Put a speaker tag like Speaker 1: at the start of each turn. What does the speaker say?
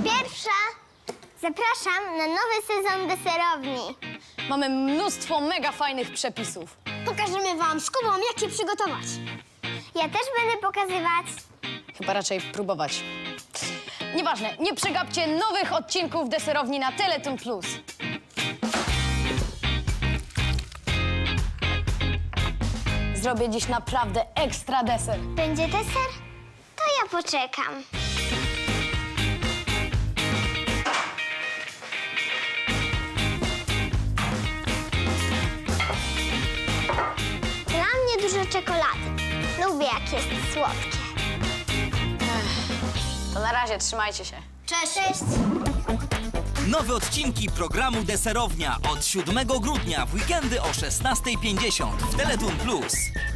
Speaker 1: Pierwsza. Zapraszam na nowy sezon deserowni.
Speaker 2: Mamy mnóstwo mega fajnych przepisów.
Speaker 1: Pokażemy wam z Kubą, jak je przygotować. Ja też będę pokazywać.
Speaker 2: Chyba raczej próbować. Nieważne, nie przegapcie nowych odcinków deserowni na Teletoon Plus. Zrobię dziś naprawdę ekstra deser.
Speaker 1: Będzie deser? To ja poczekam. Dla mnie dużo czekolady. Lubię, jak jest słodkie.
Speaker 2: To na razie, trzymajcie się.
Speaker 1: Cześć! Cześć!
Speaker 3: Nowe odcinki programu Deserownia od 7 grudnia w weekendy o 16:50 w Teletoon Plus.